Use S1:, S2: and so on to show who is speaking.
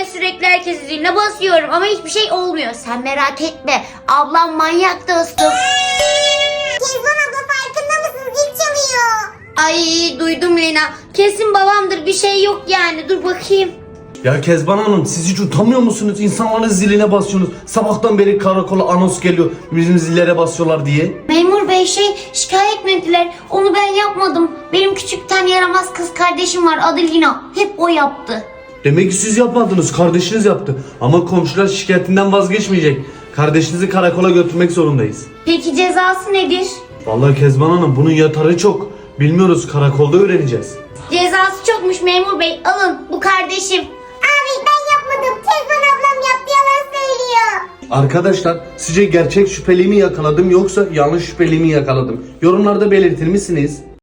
S1: sürekli herkesi ziline basıyorum ama hiçbir şey olmuyor. Sen merak etme. Ablam manyak dostum.
S2: Kezban abla farkında mısın? Zil çalıyor.
S1: Ay duydum Lena. Kesin babamdır, bir şey yok yani. Dur bakayım.
S3: Ya Kezban Hanım, siz hiç utanmıyor musunuz? İnsanların ziline basıyorsunuz. Sabahtan beri karakola anons geliyor. Bizim zillere basıyorlar diye.
S1: Memur bey şikayet mi ettiler? Onu ben yapmadım. Benim küçükten yaramaz kız kardeşim var, adı Lina. Hep o yaptı.
S3: Demek ki siz yapmadınız, kardeşiniz yaptı. Ama komşular şikayetinden vazgeçmeyecek. Kardeşinizi karakola götürmek zorundayız.
S1: Peki cezası nedir?
S3: Vallahi Kezban Hanım, bunun yatarı çok. Bilmiyoruz, karakolda öğreneceğiz.
S1: Cezası çokmuş memur bey. Alın, bu kardeşim.
S2: Abi ben yapmadım. Kezban ablam yaptı, yalan söylüyor.
S3: Arkadaşlar, sizce gerçek şüpheliği mi yakaladım yoksa yanlış şüpheliği mi yakaladım? Yorumlarda belirtir misiniz?